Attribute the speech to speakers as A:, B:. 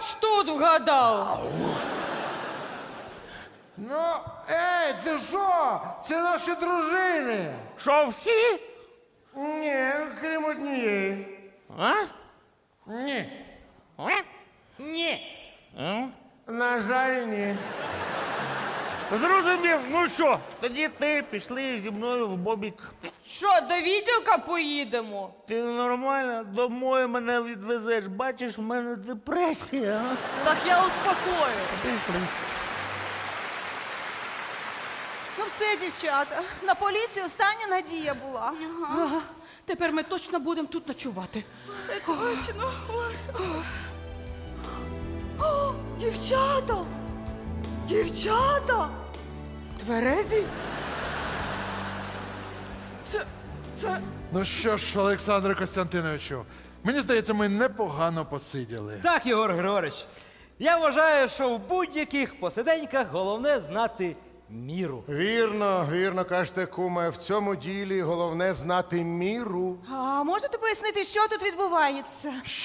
A: хоч тут вгадав.
B: Ну, ей, це що? Це наші дружини.
C: Що, всі?
B: Ні, крім однієї.
C: А?
B: Ні.
C: Ні.
B: На жаль, ні.
C: Зрозумів, ну що, тоді ти пішли зі мною в бобік.
A: Що, до відділка поїдемо?
C: Ти нормально домой мене відвезеш. Бачиш, в мене депресія. А?
A: Так я успокою.
C: Пішли.
D: Ну все, дівчата, на поліцію остання надія була.
E: Ага. Тепер ми точно будемо тут ночувати.
D: Це точно. Ой. О, дівчата! Дівчата!
A: Тверезі?
D: Це...
B: Ну що ж, Олександре Костянтиновичу, мені здається, ми непогано посиділи.
F: Так, Єгор Григорович. Я вважаю, що в будь-яких посиденьках головне знати міру.
G: Вірно, вірно кажете, куме. В цьому ділі головне знати міру.
D: А можете пояснити, що тут відбувається?